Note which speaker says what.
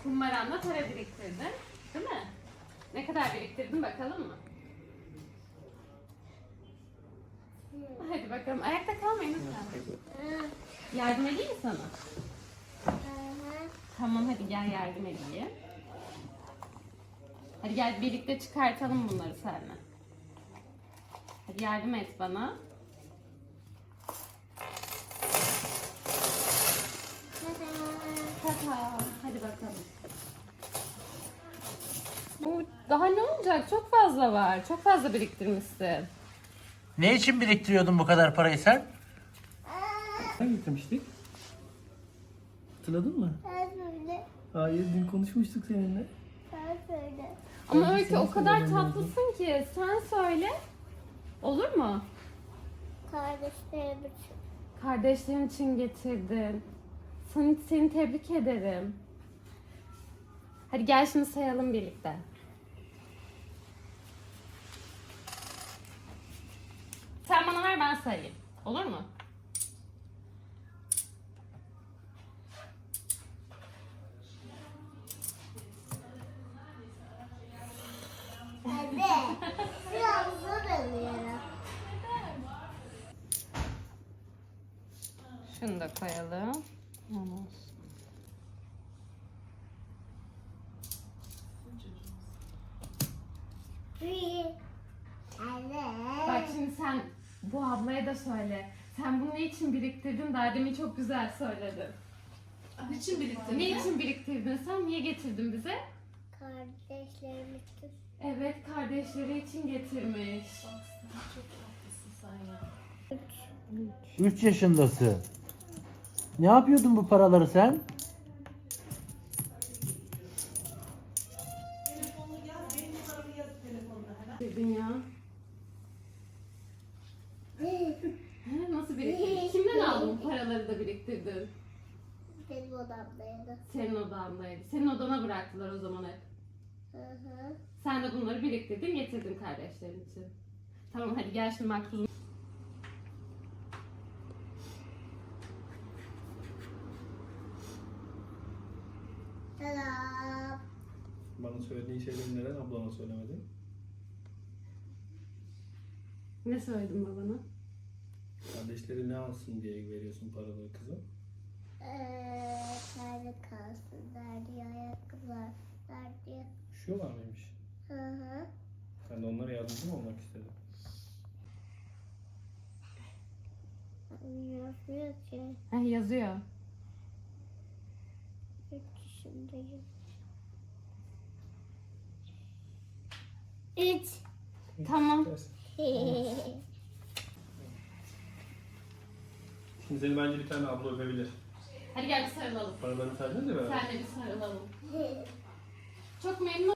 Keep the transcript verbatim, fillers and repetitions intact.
Speaker 1: Kumbaranla para biriktirdin. Değil mi? Ne kadar biriktirdin bakalım mı? Hadi bakalım. Ayakta kalmayın lütfen. Yardım edeyim mi sana? Tamam hadi gel yardım edeyim. Hadi gel birlikte çıkartalım bunları seninle. Hadi yardım et bana. Tata. Hadi bakalım. Bu daha ne olacak? Çok fazla var. Çok fazla biriktirmişsin.
Speaker 2: Ne için biriktiriyordun bu kadar parayı sen?
Speaker 3: Sen getirmiştik. Hatırladın mı?
Speaker 4: Ben söyle.
Speaker 3: Hayır, dün konuşmuştuk seninle.
Speaker 4: Ben söyle.
Speaker 1: Ama
Speaker 3: Bence
Speaker 1: Öykü
Speaker 3: senin
Speaker 1: o kadar
Speaker 3: söylemen lazım.
Speaker 1: tatlısın ki sen söyle. Olur mu?
Speaker 4: Kardeşlerim için.
Speaker 1: Kardeşlerin için getirdin. Seni, seni tebrik ederim. Hadi gel şimdi sayalım birlikte. Sen bana ver ben sayayım. Olur mu?
Speaker 4: Anne. Biraz zor alıyorum.
Speaker 1: Şunu da koyalım. Tamam.
Speaker 4: Bir. Anne.
Speaker 1: Bak şimdi sen bu ablaya da söyle. Sen bunu ne için biriktirdin? Daha demin çok güzel söyledin.
Speaker 5: Niçin biriktirdin?
Speaker 1: Ne için biriktirdin sen? Niye getirdin bize?
Speaker 4: Kardeşlerim için.
Speaker 1: Evet, kardeşleri için getirmiş.
Speaker 5: Çok tatlısın sen ya.
Speaker 2: üç yaşındasın. Ne yapıyordun bu paraları sen?
Speaker 1: Dedin ya. He, nasıl biriktirdin? Kimden aldın bu paraları da biriktirdin?
Speaker 4: Benim odamdaydı.
Speaker 1: Senin odandaydı. Senin odana bıraktılar o zaman hep.
Speaker 4: Hı hı.
Speaker 1: Sen de bunları biriktirdin, getirdin kardeşlerin için. Tamam hadi gel şimdi maktuzum.
Speaker 4: Selam.
Speaker 3: Bana söylediğin şeyleri neden ablana söylemedin?
Speaker 1: Ne söyledin babana?
Speaker 3: Kardeşleri ne alsın diye veriyorsun paraları kıza.
Speaker 4: Eee, nerede kalsınlar diye, ayakkabılar diye.
Speaker 3: Üşüyorlar mıymış?
Speaker 4: Hı hı.
Speaker 3: Sen de onlara yardımcı mı olmak istedin?
Speaker 4: Yazmıyor ki.
Speaker 1: Ha, yazıyor.
Speaker 4: Üç yaşındayım. Üç.
Speaker 1: Tamam.
Speaker 3: Dersin. Şimdi seni bence bir tane abla öpebilir.
Speaker 1: Hadi gel bir sarılalım.
Speaker 3: Paralarını saydınız ya beraber.
Speaker 1: Senle bir sarılalım. Çok memnun